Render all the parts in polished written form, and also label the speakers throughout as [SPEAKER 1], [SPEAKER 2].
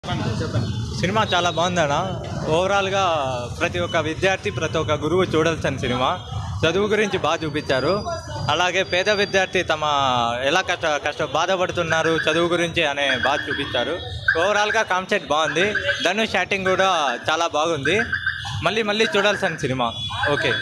[SPEAKER 1] Cinema చాలా బాగుందన్న. ఓవరాల్గా ప్రతి ఒక్క విద్యార్థి, ప్రతి ఒక్క గురువు చూడాల్సిన సినిమా. చదువు గురించి బాగా చూపించారు. అలాగే పేద విద్యార్థి తమ ఎలా బాధపడుతున్నారు చదువు గురించి అనే బాగా చూపించారు. ఓవరాల్గా కాన్సెప్ట్ బాగుంది. ధనుష్ యాక్టింగ్ కూడా చాలా బాగుంది. మళ్ళీ మళ్ళీ చూడాల్సిన సినిమా. ఓకే.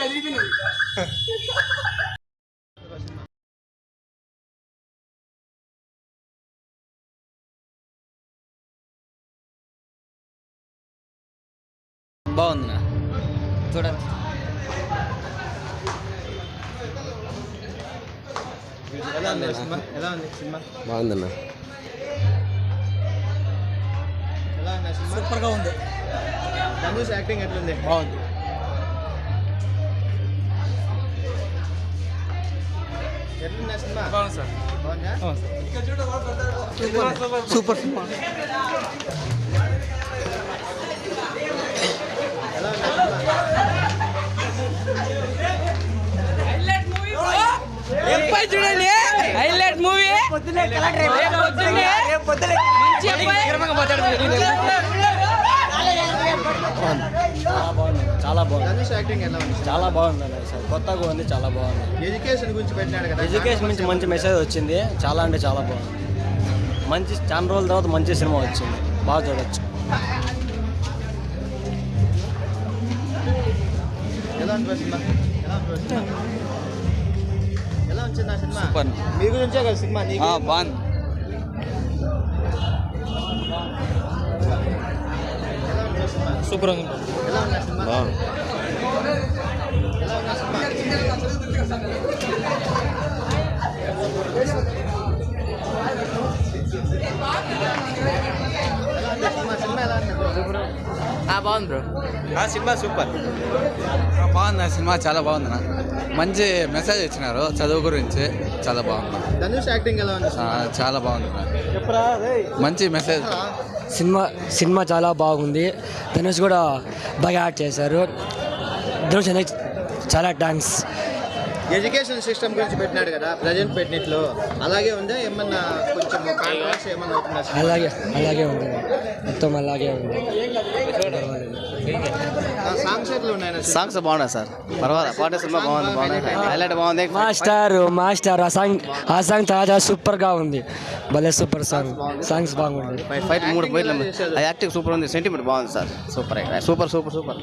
[SPEAKER 2] బాగుంది చూడండి. బాగుందన్న.
[SPEAKER 3] సూపర్గా ఉంది.
[SPEAKER 4] ధనుష్ యాక్టింగ్ ఎట్లుంది?
[SPEAKER 3] బాగుంది.
[SPEAKER 4] ఎట్లుంది సినిమా?
[SPEAKER 3] బాగుంది సార్.
[SPEAKER 4] బాగుందా?
[SPEAKER 3] Super cinema.
[SPEAKER 4] ఎలా ఉంది సినిమా?
[SPEAKER 5] చూడండి, హైలైట్ మూవీ.
[SPEAKER 2] చాలా బాగుంది.
[SPEAKER 4] ధనుష్ యాక్టింగ్ ఎలా ఉంది?
[SPEAKER 2] చాలా బాగుంది అన్న సార్. కొత్తగా ఉంది, చాలా బాగుంది.
[SPEAKER 4] ఎడ్యుకేషన్ గురించి పెట్టినాడు కదా.
[SPEAKER 2] ఎడ్యుకేషన్ నుంచి మంచి మెసేజ్ వచ్చింది. చాలా అంటే చాలా బాగుంది. మంచి చాలా రోజుల తర్వాత మంచి సినిమా వచ్చింది. బాగా చూడొచ్చు.
[SPEAKER 4] ఎలా ఉంది సినిమా? ఎలా వచ్చింది ఆ సినిమా?
[SPEAKER 3] సూపర్.
[SPEAKER 4] మీ గురించే కదా సినిమా?
[SPEAKER 3] బాగుంది. సూపర్ ఉంది.
[SPEAKER 4] ఎలా ఉంది సినిమా?
[SPEAKER 2] బాగుంది.
[SPEAKER 4] ఎలా ఉంది సినిమా? సినిమా ఎలా ఉంది?
[SPEAKER 5] బాగుంది బ్రో.
[SPEAKER 3] Cinema super. బాగుంది సినిమా. చాలా బాగుంది. మంచి మెసేజ్ ఇచ్చినారు చదువు గురించి. చాలా బాగుంది.
[SPEAKER 4] ధనుష్ యాక్టింగ్ ఎలా ఉంది?
[SPEAKER 3] చాలా బాగుంది. మంచి మెసేజ్.
[SPEAKER 6] సినిమా చాలా బాగుంది. ధనుష్ కూడా బాగా యాక్ట్ చేశారు. ధనుష్ అనేది చాలా థ్యాంక్స్.
[SPEAKER 4] ఎడ్యుకేషన్ సిస్టమ్ గురించి పెట్టినాడు కదా ప్రజెంట్ పెట్టినట్లు అలాగే ఉందా? ఏమన్నా కొంచెం కాంట్రవర్సీ ఏమన్నా అవుతుందా?
[SPEAKER 6] అలాగే ఉంది. మొత్తం అలాగే ఉంది.
[SPEAKER 4] సాంగ్స్ ఎట్లా ఉన్నాయి?
[SPEAKER 2] సాంగ్స్ బాగున్నాయి సార్. పర్వాలేదు. పాట సినిమా బాగుంది. హైలైట్ బాగుంది.
[SPEAKER 6] మాస్టర్ ఆ సాంగ్ చాలా సూపర్గా ఉంది. భలే సూపర్ సాంగ్స్ బాగుంది.
[SPEAKER 2] ఫైట్ 3 పోయిట్లు. ఆ యాక్టింగ్ సూపర్ ఉంది. సెంటిమెంట్ బాగుంది sir. Super super super super.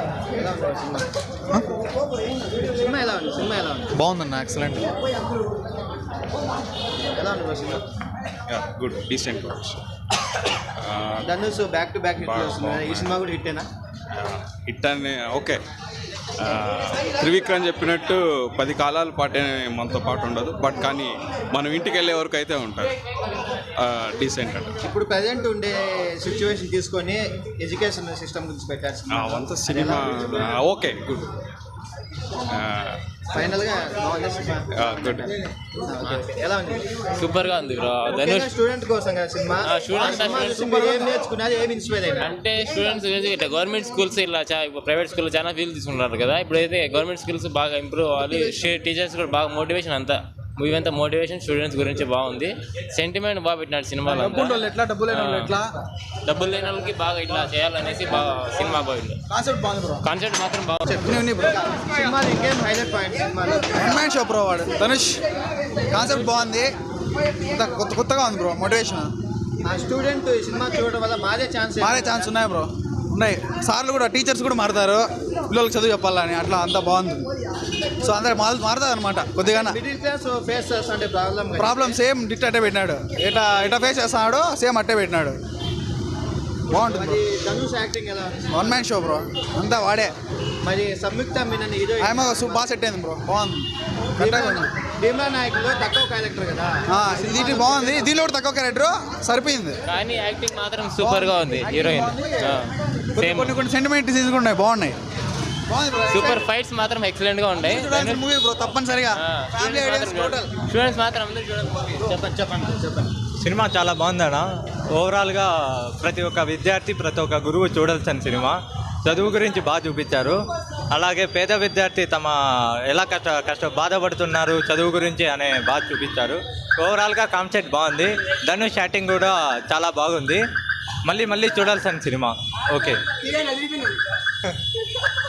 [SPEAKER 4] Cinema ఎలా ఉంది? సినిమా ఎలా ఉంది?
[SPEAKER 3] బాగుందన్న. ఎక్సలెంట్.
[SPEAKER 4] ఎలా ఉంది cinema?
[SPEAKER 7] Good, decent.
[SPEAKER 4] Dhanush back to back hit వస్తుంది. ఈ సినిమా కూడా హిట్టేనా?
[SPEAKER 7] హిట్ అని ఓకే. త్రివిక్రమ్ చెప్పినట్టు 10 కాలాల పాటే మనతో పాటు ఉండదు. బట్ కానీ మనం ఇంటికి వెళ్ళే వరకు అయితే ఉంటుంది. డీసెంట్ అంటే
[SPEAKER 4] ఇప్పుడు ప్రజెంట్ ఉండే సిచ్యువేషన్ తీసుకొని ఎడ్యుకేషన్ సిస్టమ్ గురించి పెట్టారు
[SPEAKER 7] అంత సినిమా. Okay, good.
[SPEAKER 4] ఫైనల్గా బాగుంది సినిమా.
[SPEAKER 7] గుడ్.
[SPEAKER 4] ఎలా ఉంది?
[SPEAKER 5] సూపర్ గా ఉంది బ్రో.
[SPEAKER 4] ధనుష్ స్టూడెంట్ కోసం కదా సినిమా. ఏం నేర్చుకున్నారు? ఏం ఇన్స్పైర్ అయినా?
[SPEAKER 5] అంటే స్టూడెంట్స్ ఇట్లా గవర్నమెంట్ స్కూల్స్ ఇలా ప్రైవేట్ స్కూల్ చాలా ఫీల్ తీసుకుంటున్నారు కదా. ఇప్పుడైతే గవర్నమెంట్ స్కూల్స్ బాగా ఇంప్రూవ్ అవ్వాలి. టీచర్స్ కూడా బాగా మోటివేషన్ అంతా మూవీ అంతా మోటివేషన్ స్టూడెంట్స్ గురించి బాగుంది. సెంటిమెంట్ బాగా పెట్టినాడు సినిమాలో. డబ్బులు లేని వాళ్ళకి బాగా ఇట్లా చేయాలనేసి బాగా సినిమా బాగుంది. కాన్సెప్ట్ మాత్రం బాగుంది.
[SPEAKER 4] సినిమా ఇంకేం హైలైట్ పాయింట్ సినిమాలో?
[SPEAKER 3] Man show bro. వాడు ధనుష్ కాన్సెప్ట్ బాగుంది. కొత్తగా ఉంది బ్రో. మోటివేషన్.
[SPEAKER 4] ఆ స్టూడెంట్ ఈ సినిమా చూడడం వల్ల మారే ఛాన్స్
[SPEAKER 3] ఉన్నాయి బ్రో. ఉన్నాయి. సార్లు కూడా టీచర్స్ కూడా మారుతారు పిల్లలకు చదువు చెప్పాలని. అట్లా అంతా బాగుంది. సో అందరు మారుతుంది అనమాట. కొద్దిగా
[SPEAKER 4] మిడిల్ క్లాస్ ఫేస్ చేస్తుంటే
[SPEAKER 3] ప్రాబ్లమ్ సేమ్ డిట్ అట్టే పెట్టినాడు. ఎటా ఫేస్ చేస్తున్నాడు సేమ్ అట్టే పెట్టినాడు. బాగుంటుంది.
[SPEAKER 4] ధనుష్ యాక్టింగ్ ఎలా?
[SPEAKER 3] One man show bro. అంతా వాడే.
[SPEAKER 4] మరి సంయుక్త మీనన్ హీరో
[SPEAKER 3] ఆమె బాగా సెట్ అయింది బ్రో. బాగుంది.
[SPEAKER 4] భీమా నాయకులో తక్కువ క్యారెక్టర్ కదా.
[SPEAKER 3] ఇది బాగుంది. దీనిలో కూడా తక్కువ క్యారెక్టర్ సరిపోయింది.
[SPEAKER 5] కానీ యాక్టింగ్ మాత్రం సూపర్ గా ఉంది. హీరోయిన్
[SPEAKER 3] కొన్ని సెంటిమెంట్ సీన్స్ కూడా ఉన్నాయి. బాగున్నాయి.
[SPEAKER 5] సూపర్ ఫైట్స్ మాత్రం ఎక్సలెంట్ గా ఉంటాయి.
[SPEAKER 3] మూవీ బ్రో తప్పనిసరిగా.
[SPEAKER 5] స్టూడెంట్స్ మాత్రం అందరూ
[SPEAKER 4] చెప్పండి.
[SPEAKER 1] సినిమా చాలా బాగుందన్న. ఓవరాల్గా ప్రతి ఒక్క విద్యార్థి, ప్రతి ఒక్క గురువు చూడాల్సిన సినిమా. చదువు గురించి బాగా చూపించారు. అలాగే పేద విద్యార్థి తమ ఎలా బాధపడుతున్నారు చదువు గురించి అనే బాగా చూపించారు. ఓవరాల్గా కాన్సెప్ట్ బాగుంది. ధనుష్ యాక్టింగ్ కూడా చాలా బాగుంది. మళ్ళీ మళ్ళీ చూడాల్సిన సినిమా. ఓకే.